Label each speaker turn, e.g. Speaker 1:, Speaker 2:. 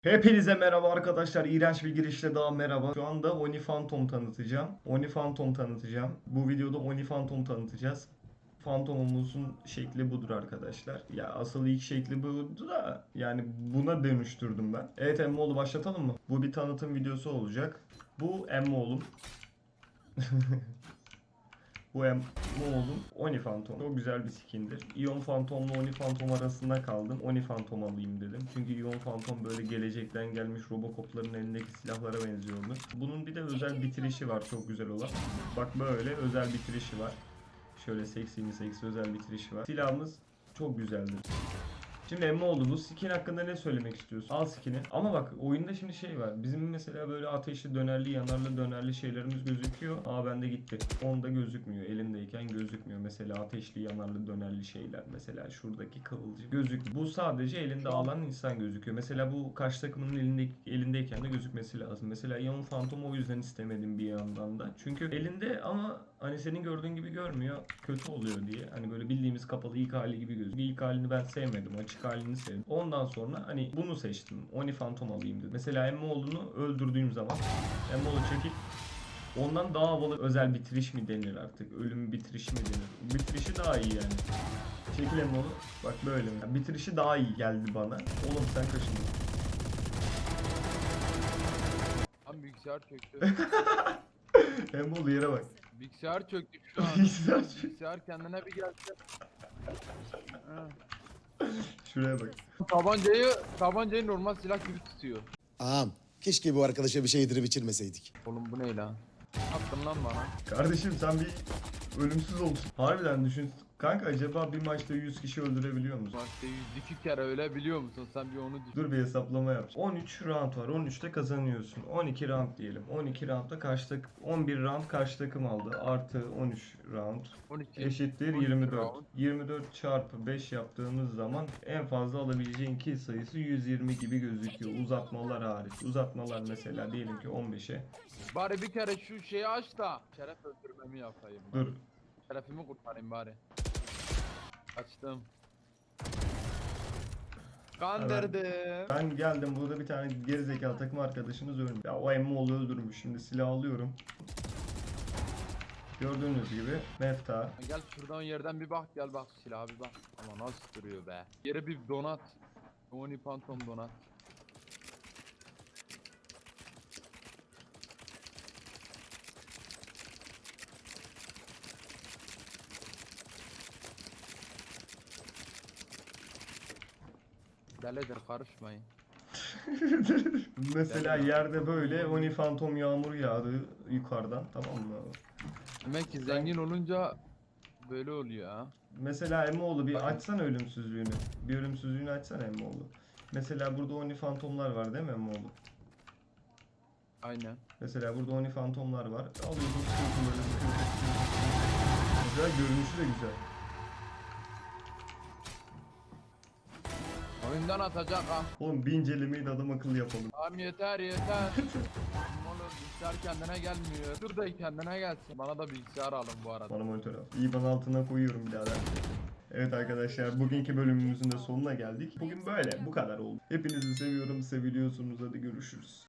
Speaker 1: Hepinize merhaba arkadaşlar. İğrenç bir girişle daha merhaba. Şu anda Oni Phantom tanıtacağım. Oni Phantom tanıtacağım. Bu videoda Oni Phantom tanıtacağız. Phantom'umuzun şekli budur arkadaşlar. Ya asıl ilk şekli buydu da yani buna dönüştürdüm ben. Evet Emmoğlu başlatalım mı? Bu bir tanıtım videosu olacak. Bu Emmoğlu'm. Bu Emmoğlu'm Oni Phantom. Çok güzel bir skindir. Ion Phantom'la Oni Phantom arasında kaldım. Oni Phantom alayım dedim. Çünkü Ion Phantom böyle gelecekten gelmiş Robocop'ların elindeki silahlara benziyordu. Bunun bir de özel bitirişi var çok güzel olan. Bak böyle özel bitirişi var. Şöyle seksi mi seksi özel bitirişi var. Silahımız çok güzeldir. Şimdi Emmoğlu bu skin hakkında ne söylemek istiyorsun? Al skin'i. Ama bak oyunda şimdi şey var. Bizim mesela böyle ateşli dönerli yanarlı dönerli şeylerimiz gözüküyor. Aa bende gitti. Onda gözükmüyor. Elindeyken gözükmüyor. Mesela ateşli yanarlı dönerli şeyler. Mesela şuradaki kıvılcım gözükmüyor. Bu sadece elinde
Speaker 2: Şu an
Speaker 1: alan insan gözüküyor. Mesela bu karşı takımın elindeyken de gözükmesi lazım. Mesela Ion Phantom o yüzden istemedim bir yandan da. Çünkü elinde ama hani senin gördüğün gibi görmüyor. Kötü oluyor diye. Hani böyle bildiğimiz kapalı ilk hali gibi gözüküyor. İlk halini ben sevmedim. Açık halini sevdim. Ondan sonra hani bunu seçtim. Oni Phantom alayım dedim. Mesela Emmoğlu'nu öldürdüğüm zaman Emmoğlu çekip ondan daha havalı özel bitiriş mi denir artık? Ölüm bitirişi mi denir? Bitirişi daha iyi yani. Çekil Emmoğlu. Bak böyle mi? Yani bitirişi daha iyi geldi bana. Oğlum sen kaşındın.
Speaker 2: tam bilgisayar çöktü.
Speaker 1: Emmoğlu yere bak.
Speaker 2: Bilgisayar çöktü şu an.
Speaker 1: Bilgisayar
Speaker 2: Bilgisayar kendine bir gelse. Ha.
Speaker 1: Şuraya bak.
Speaker 2: Tabancayı normal silah gibi tutuyor.
Speaker 3: Ağam, keşke bu arkadaşa bir şey yedirip içirmeseydik.
Speaker 2: Oğlum bu ne lan? Attın lan bana.
Speaker 1: Kardeşim sen bir ölümsüz olsun. Harbiden düşün. Kanka acaba bir maçta 100 kişi öldürebiliyor musun?
Speaker 2: Maçta 102 kere öyle biliyor musun? Sen bir onu düşün.
Speaker 1: Dur bir hesaplama yap. 13 round var. 13'te kazanıyorsun. 12 round diyelim. 12 roundda 11 round karşı takım aldı. Artı 13 round
Speaker 2: 12.
Speaker 1: eşittir
Speaker 2: 12
Speaker 1: 24.
Speaker 2: round.
Speaker 1: 24 çarpı 5 yaptığımız zaman en fazla alabileceğin kill sayısı 120 gibi gözüküyor. Uzatmalar hariç. Uzatmalar mesela diyelim ki 15'e.
Speaker 2: Bari bir kere şu şeyi aç da şeref öldürmemi yapayım.
Speaker 1: Dur.
Speaker 2: Şerefimi kurtarayım bari. Açtım. Kandırdım.
Speaker 1: Ben geldim burada bir tane gerizekalı takım arkadaşımız ölmüş. Ya o Emmoğlu öldürmüş. Şimdi silah alıyorum. Gördüğünüz gibi mefta.
Speaker 2: Gel şuradan yerden bir bak, gel bak silaha bir bak. Ama nasıl duruyor be. Yere bir donat. Oni Phantom donat. Delidir, karışmayın.
Speaker 1: Mesela yerde böyle Oni Phantom yağmuru yağdı yukarıdan, tamam mı?
Speaker 2: Demek ki zengin olunca böyle oluyor ha.
Speaker 1: Mesela Emmoğlu bir açsana ölümsüzlüğünü. Bir ölümsüzlüğünü açsana Emmoğlu. Mesela burada Oni Phantom'lar var değil mi Emmoğlu?
Speaker 2: Aynen.
Speaker 1: Mesela burada Oni Phantom'lar var. Alıyorsun sıkıyorsun böyle sıkıyorsun. Güzel, görünüşü de güzel.
Speaker 2: Oyundan atacak ha.
Speaker 1: Oğlum bir incelemeyi de adam akıllı yapalım.
Speaker 2: Tamam yeter yeter. Oğlum bilgisayar kendine gelmiyor. Dur da kendine gelsin. Bana da bilgisayar alın bu arada.
Speaker 1: Bana monitör al. İyi altına koyuyorum birader. Evet arkadaşlar bugünkü bölümümüzün de sonuna geldik. Bugün böyle bu kadar oldu. Hepinizi seviyorum, seviliyorsunuz. Hadi görüşürüz.